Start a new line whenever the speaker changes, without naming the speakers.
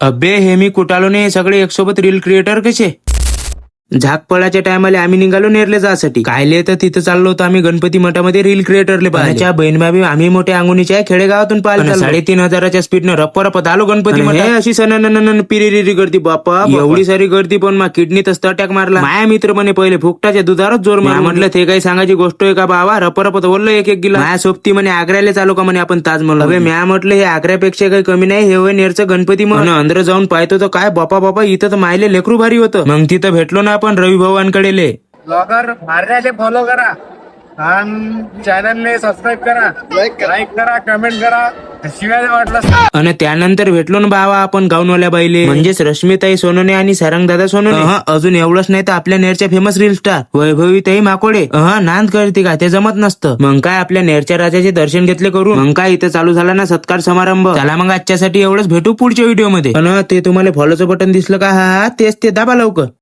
अबे हे मी कुठालो नाही, सगळे एक सोबत रील क्रिएटर कसे. झाक पळाच्या टायमाला आम्ही निघालो नेरले जासाठी. कायले तर तिथं चाललो होतो आम्ही गणपती मठामध्ये रील क्रिएटरले पाहायच्या. बहीण भाभी आम्ही मोठ्या अंगुनीच्या खेडेगावातून पाहिलं. 3,500च्या स्पीडनं रप्पा आलो गणपती मठ. अशी सनन पिरिरी गर्दी बाप्पा, एवढी सारी गर्दी पण मा किडनीतच अटॅक मारला. माया मित्र म्हणे पहिले फुकटाच्या दुधारच जोर मार. म्हटलं ते काही सांगायची गोष्ट आहे का बाबा, रप्पा बोललो एक गिला. माया सोबती म्हणे आग्र्याला चालू का म्हणे आपण ताजमहल. अबे म्या म्हटलं हे आग्र्यापेक्षा काही कमी नाही, हे होय नेरचं गणपती मठ. अंदर जाऊन पाहतो तर काय बापा इथं तर मायले लेकरू भारी होतं. मग तिथं भेटलो ना आपण रवी भवानकडे.
ब्लॉगर मारण्याचे फॉलो करा आणि चॅनलने सबस्क्राईब करा, लाईक करा, कमेंट करा, शिवाय वाटलं.
आणि त्यानंतर भेटलो ना बाबा आपण गाऊनवाल्या बाईले, म्हणजेच रश्मीताई सोनोने आणि सारंगदादा सोनोने. अजून एवढंच नाही तर आपल्या नेरच्या फेमस रील स्टार वैभवीताई माकोडे नांद करते का ते जमत नसतं. मग काय आपल्या नेरच्या राजाचे दर्शन घेतले करून. मग काय इथं चालू झाला ना सत्कार समारंभ. चला मग आजच्यासाठी एवढंच, भेटू पुढच्या व्हिडिओ मध्ये. ते तुम्हाला फॉलोचं बटन दिसलं का, हा तेच ते दाबा लवकर.